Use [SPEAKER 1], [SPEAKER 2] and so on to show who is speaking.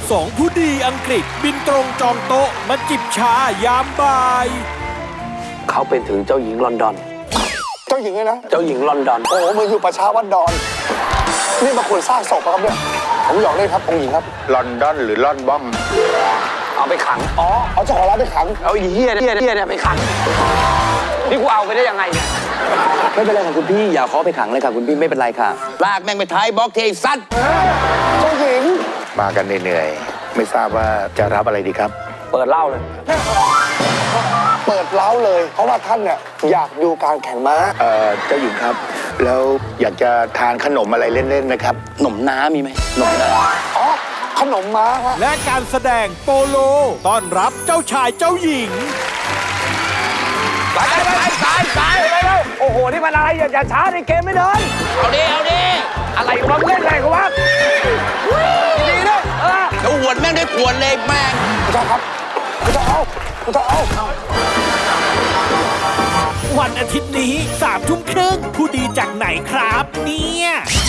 [SPEAKER 1] สองผู้ดีอังกฤษบินตรงจองโต๊ะมาจิบชายามบ่าย
[SPEAKER 2] เขาเป็นถึงเจ้าหญิงลอนดอน
[SPEAKER 3] เจ้าหญิงเลยนะ
[SPEAKER 2] เจ้าหญิงลอนดอน
[SPEAKER 3] โอ้โหมึงอยู่ประชาวัดดอน นี่มาคนสร้างศพครับเนี่ย ผมหยอกเล่นครับองค์หญิงครับ
[SPEAKER 4] ลอนดอนหรือลอนบอม
[SPEAKER 2] เอาไปขัง
[SPEAKER 3] อ๋อ เอาเจ้าของร้านไปขัง
[SPEAKER 2] เอาอีเหี้ยเนี่ยไปขัง นี่กูเอาไปได้ยังไงเนี่ย
[SPEAKER 5] ไม่เป็นไรค่ะคุณพี่อย่าขอไปขังเลยค่ะคุณพี่ไม่เป็นไรค่ะลากแม่งไปท้ายบล็อกเทซัด
[SPEAKER 3] เจ้าหญิง
[SPEAKER 4] มากันเหนื่อยๆไม่ทราบว่าจะรับอะไรดีครับ
[SPEAKER 2] เปิดเหล้าเลย
[SPEAKER 3] เปิดเล้าเลย เพราะว่าท่านเนี่ยอยากดูการแข่งม้า
[SPEAKER 4] เจ้าหญิงครับ แล้วอยากจะทานขนมอะไรเล่นๆไหมครับ
[SPEAKER 5] หนมน้ามีไหมหนมน้า
[SPEAKER 3] อ๋อ ขนมม้าฮะ
[SPEAKER 1] และการแสดงโปโลต้อนรับเจ้าชายเจ้าหญิง
[SPEAKER 2] ไปแล้วโอ้โห นี่มันอะไรอย่าช้าในเกมไม่เดิน
[SPEAKER 5] เอาดิ
[SPEAKER 2] อะไรวะเล่นอะไรกันวะดีๆนะ
[SPEAKER 5] เดี๋ยวหวดแม่งได้ขวดเลยแม่ง
[SPEAKER 3] คุณเจ้าครับคุณเจ้าเอาคุณเจ้าเอา
[SPEAKER 1] วันอาทิตย์นี้3 ทุ่มครึ่งผู้ดีจากไหนครับเนี่ย